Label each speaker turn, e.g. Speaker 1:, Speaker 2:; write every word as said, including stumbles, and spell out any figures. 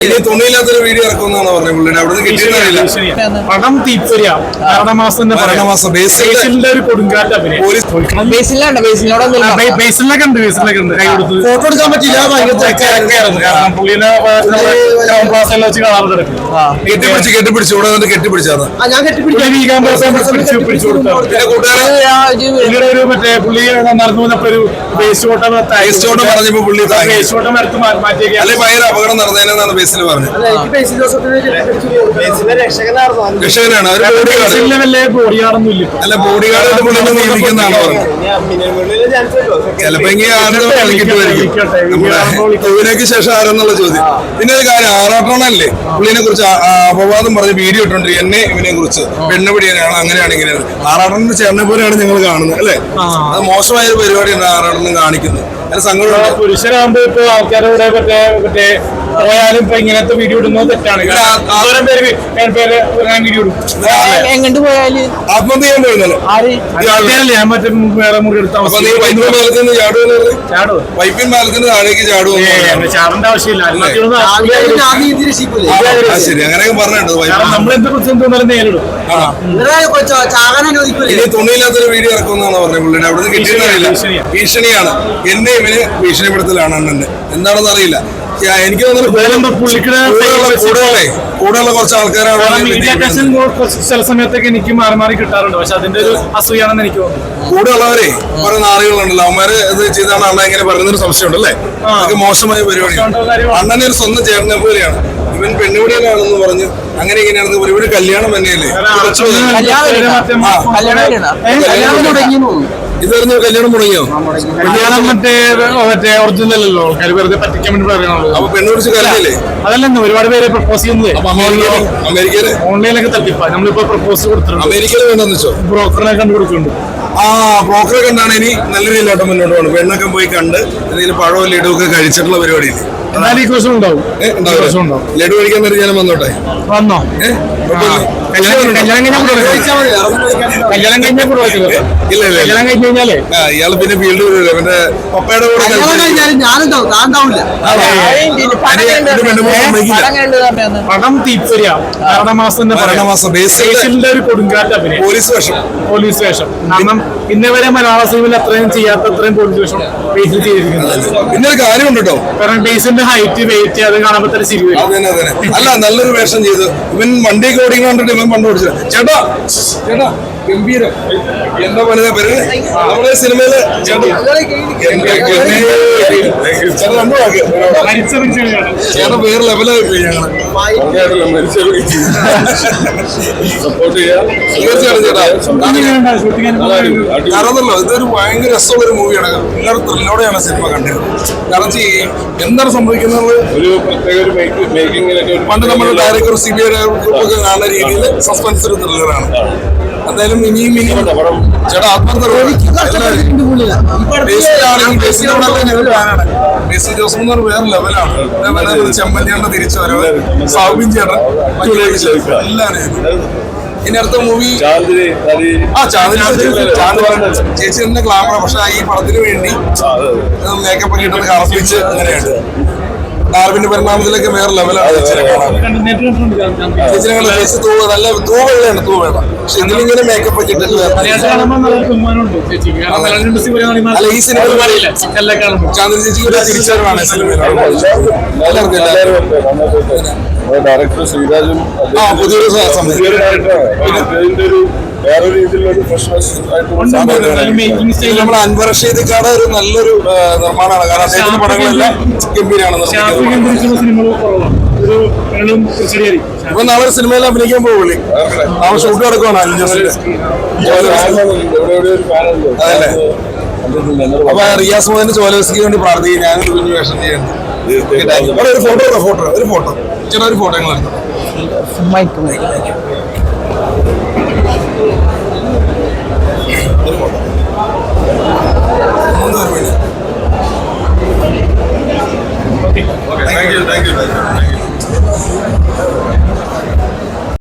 Speaker 1: ഇനി തുണിയില്ലാത്തൊരു വീഡിയോ ഇറക്കുമെന്നാണ് പറഞ്ഞത് പുള്ളിയുടെ അവിടുന്ന് കിട്ടിയിട്ടില്ല.
Speaker 2: പടം തീപ്പൊരിയ ഭരണമാസം
Speaker 1: ഭരണമാസം
Speaker 2: ബേസിലിന്റെ ഒരു കൊടുങ്കാറ്റ് അഭിനയം. ബേസിലൊക്കെ ഉണ്ട് ബേസിലൊക്കെ ഉണ്ട് കൈ കൊടുത്ത്
Speaker 1: ഫോട്ടോ എടുക്കാൻ പറ്റില്ല.
Speaker 2: കാരണം പുള്ളിനെ ക്രൗൺ പ്ലാസയിൽ വെച്ച് കാണാറുണ്ട്.
Speaker 1: കെട്ടിപ്പിടിച്ച് കെട്ടിപ്പിടിച്ചു ഇവിടെ നിന്ന് കെട്ടിപ്പിടിച്ചാണ്
Speaker 2: പിടിച്ചു പിടിച്ചു കൊടുത്തു. പുള്ളിയുടെ ഒരു മറ്റേ പുള്ളി നടന്നു വന്നപ്പോ ഒരു വേസ്റ്റ് ഓട്ടം
Speaker 1: വേസ്റ്റ് ഓട്ടം പറഞ്ഞപ്പോ പുള്ളി
Speaker 2: വേസ്റ്റ് ഓട്ടം എടുത്ത് മാറ്റിയേക്ക്
Speaker 1: അല്ലെ ഭയങ്കര അപകടം നടന്നതിനാണ് ബേസിൽ പറഞ്ഞത്. രക്ഷകനാണ്
Speaker 2: ബോഡി ഗാർഡൊന്നും ഇല്ല.
Speaker 1: അല്ല ബോഡി ഗാർഡ് പുള്ളി നിയമിക്കുന്നതാണ് പറഞ്ഞത്. ചിലപ്പോ ഇങ്ങനെ കോവിനേക്ക് ശേഷം ആരെന്നുള്ള ചോദ്യം. പിന്നെ ഒരു കാര്യം ആറാട്ടണല്ലേ പുള്ളിനെ കുറിച്ച് അപവാദം പറഞ്ഞ് വീഡിയോ ഇട്ടുണ്ട് എന്നെ ഇവനെ കുറിച്ച് പെണ്ണുപിടിയാണ് അങ്ങനെയാണ് ഇങ്ങനെയാണ്. ആറാട്ടന്റെ ചേട്ടനെ പോലെയാണ് ഞങ്ങൾ കാണുന്നത് അല്ലെ. അത് മോശമായ ഒരു പരിപാടിയാണ് ആറാട്ടനും കാണിക്കുന്നത്. അതിന് സങ്കടം.
Speaker 2: പുരുഷനാകുമ്പോ ഇപ്പൊ ആൾക്കാരോട് മറ്റേ മറ്റേ പോയാലും ഇപ്പൊ ഇങ്ങനത്തെ വീഡിയോ ഇടുന്നത് തെറ്റാണ്. പേര് വീഡിയോ ഇടും.
Speaker 3: എങ്ങോട്ട് പോയാല്
Speaker 1: ആത്മഹത്യ ചെയ്യാൻ പോയിരുന്നല്ലോ
Speaker 2: ഞാൻ മറ്റേ വേറെ മുറി എടുത്ത
Speaker 1: വൈപ്പിൻ പാലത്തിന് താഴേക്ക് ചാടുവോ?
Speaker 2: ചാടേണ്ട ആവശ്യമില്ല.
Speaker 1: ശരി അങ്ങനെയൊക്കെ പറഞ്ഞിട്ടുണ്ട്.
Speaker 2: നമ്മളെന്ത് കുറിച്ച് തോന്നാലും നേരിടും.
Speaker 1: ഇനി തുണിയില്ലാത്തൊരു വീഡിയോ ഇറക്കുമെന്നാണ് പറഞ്ഞത് പുള്ളിയുടെ അവിടുന്ന് കിട്ടിയിട്ടില്ല. ഭീഷണിയാണ്. എന്നെ ഇവന് ഭീഷണിപ്പെടുത്തലാണ് അണ്ണന്റെ. എന്താണെന്ന് അറിയില്ല. എനിക്ക് തോന്നുന്നു കൂടെയുള്ള കുറച്ച് ആൾക്കാരാണ്
Speaker 2: ചില സമയത്തൊക്കെ എനിക്ക് മാറി മാറി കിട്ടാറുണ്ട്. പക്ഷെ അതിന്റെ ഒരു അസൂയാണെന്ന് എനിക്ക് തോന്നുന്നു.
Speaker 1: കൂടെയുള്ളവരെ കുറെ നാളുകളുണ്ടല്ലോ അവന്മാര് ഇത് ചെയ്താണ് അണ്ണ ഇങ്ങനെ പറയുന്നൊരു സംശയമുണ്ട് അല്ലേ. അതൊക്കെ മോശമായ പരിപാടിയാണ്. അണ്ണനെ ഒരു സ്വന്തം ചേട്ടനെ പോലെയാണ്. ഇവൻ പെണ്ണുപിടിയാണെന്ന് പറഞ്ഞു അങ്ങനെ ഇങ്ങനെയാണെന്ന് പറയും. ഇവര് കല്യാണം തന്നെയല്ലേ ഇതായിരുന്നു കല്യാണം മുടങ്ങിയോ?
Speaker 2: കല്യാണം മറ്റേ മറ്റേ ഒറിജിനൽ അല്ലല്ലോ. ആൾക്കാർ വെറുതെ പറ്റിക്കാൻ വേണ്ടി പറയുന്നത്.
Speaker 1: അപ്പൊ പെണ്ണ് പിടിച്ച് കാര്യമില്ലേ?
Speaker 2: അതല്ലെന്ന് ഒരുപാട് പേര് പ്രപ്പോസ് ചെയ്യുന്നത്
Speaker 1: അമേരിക്കയില്
Speaker 2: ഓൺലൈനിലൊക്കെ തട്ടിപ്പാ. നമ്മളിപ്പോ പ്രപ്പോസ് കൊടുത്തിട്ടുണ്ട്.
Speaker 1: അമേരിക്കയിൽ വേണ്ടെന്ന് വെച്ചോ
Speaker 2: ബ്രോക്കറിനെ കണ്ടു കൊടുക്കുന്നുണ്ട്.
Speaker 1: ആ ബ്രോക്കറെ കണ്ടാണ് ഇനി നല്ല രീതിയിലോട്ട് മുന്നോട്ട് പോകുന്നത്. പെണ്ണൊക്കെ പോയി കണ്ട് എന്തെങ്കിലും പഴവും ലഡുവും ഒക്കെ കഴിച്ചിട്ടുള്ള പരിപാടിയില്ലേ.
Speaker 2: എന്നാലും ഈ ദിവസം ഉണ്ടാവും.
Speaker 1: ലഡു കഴിക്കാൻ നേരം ഞാൻ വന്നോട്ടെ.
Speaker 2: വന്നോ? കല്യാണം കഴിഞ്ഞാൽ കല്യാണം കഴിഞ്ഞാൽ
Speaker 1: ഇല്ല ഇല്ല
Speaker 2: കല്യാണം കഴിഞ്ഞ് കഴിഞ്ഞാലേ
Speaker 1: ഇയാള് പിന്നെ ഫീൽഡ് വരില്ല. പിന്നെ പപ്പയുടെ കൂടെ
Speaker 2: പടം തീപ്പൊരിയ ഭരണമാസം
Speaker 1: ഭരണമാസം
Speaker 2: ബേസിലിന്റെ ഒരു കൊടുങ്കാറ്റ് അഭിനയം.
Speaker 1: പോലീസ് വേഷം
Speaker 2: പോലീസ് വേഷം. കാരണം ഇന്നേ വരെ മലയാള സിനിമയിൽ അത്രയും ചെയ്യാത്ത അത്രയും പോലീസ് വേഷം ബേസിൽ ചെയ്തിരിക്കുന്നത്.
Speaker 1: പിന്നെ ഒരു കാര്യമുണ്ട് കേട്ടോ.
Speaker 2: കാരണം ബേസിന്റെ ഹൈറ്റ് വെയിറ്റ് അത് കാണുമ്പോ തന്നെ ശരി വരും.
Speaker 1: അല്ല നല്ലൊരു വേഷം ചെയ്തു. ഇവൻ വണ്ടിയൊക്കെ ഓടിക്കാൻ കണ്ടിട്ട് ഇവൻ പണ്ട് ഓടിച്ചത്. ചേട്ടാ ചേട്ടാ ഗംഭീരം. എന്താ പറയുക പേര് നമ്മുടെ സിനിമയില് ചേട്ടൻ വേറെ ലെവലായി പോയി. ഞങ്ങള് സപ്പോർട്ട് ചെയ്യാം തീർച്ചയായിട്ടും ചേട്ടാ. കാരണമല്ലോ ഇതൊരു ഭയങ്കര രസമുള്ള ഒരു മൂവിയാണ്. എല്ലാവരും ത്രില്ലോടെയാണ് സിനിമ കണ്ടിരുന്നത്. കാരണം എന്താണ് സംഭവിക്കുന്നത് ഒരു പ്രത്യേക ഒരു മേക്കിങ്ങിലൊക്കെ പണ്ട് നമ്മുടെ ഡയറക്ടർ സി ബി ഐ ഗ്രൂപ്പൊക്കെ കാണുന്ന രീതിയിൽ സസ്പെൻസ് ഒരു ത്രില്ലറാണ്. എന്തായാലും ഇനിയും ഇനിയും ചേട്ടാ ആത്മഹത്യ ബേസിൽ ജോസ് എന്ന് പറഞ്ഞ വേറെ ലെവലാണ്. ചെമ്മന്തിയുടെ തിരിച്ചു വരവ് സൗബിൻ ചേട്ടൻ എല്ലാവരും. ഇനി അടുത്ത മൂവി ആ ചാന്ദിനി ചേച്ചി തന്നെ ഗ്ലാമറ. പക്ഷെ ഈ പടത്തിന് വേണ്ടി മേക്കപ്പ് ഒക്കെ ഇട്ടത് കറപ്പിച്ച് അങ്ങനെയാണ്. ഡാർവിന്റെ പരിണാമത്തിലൊക്കെ വേറെ ലെവലാണ്. നല്ല തൂവെള്ളയാണ് തൂവേള. പക്ഷെ ഇതിലിങ്ങനെ മേക്കപ്പ് ഒക്കെ ഇട്ടിട്ട് അല്ല ഈ സിനിമ ചാന്ദിനി ചേച്ചിക്ക് തിരിച്ചറിവാണ് സിനിമയിൽ.
Speaker 4: ഡയറക്ടർ ശ്രീരാജും
Speaker 1: പുതിയൊരു നമ്മുടെ അൻവർ റഷീദിക്കാട് ഒരു നല്ലൊരു നിർമ്മാണമാണ്. കാരണം അദ്ദേഹത്തിന്റെ പടങ്ങളെല്ലാം ഗംഭീരമാണ്. ഇപ്പൊ നാളെ സിനിമയിൽ അഭിനയിക്കാൻ പോകുള്ളി. നാളെ ഷൂട്ട് നടക്കുവാണ് അഞ്ചസിന്റെ. അതല്ലേ അപ്പൊ റിയാസ് മോഹന്റെ ചോലസ്ക്ക് വേണ്ടി പ്രാർത്ഥിക്കും. ഞാനൊരു കുഞ്ഞു വേഷം ചെയ്യുന്നുണ്ട്. ഒരു ഫോട്ടോ ഫോട്ടോ ഒരു ഫോട്ടോ ചേട്ടാ ഒരു ഫോട്ടോ ഞങ്ങൾ എടുത്തു.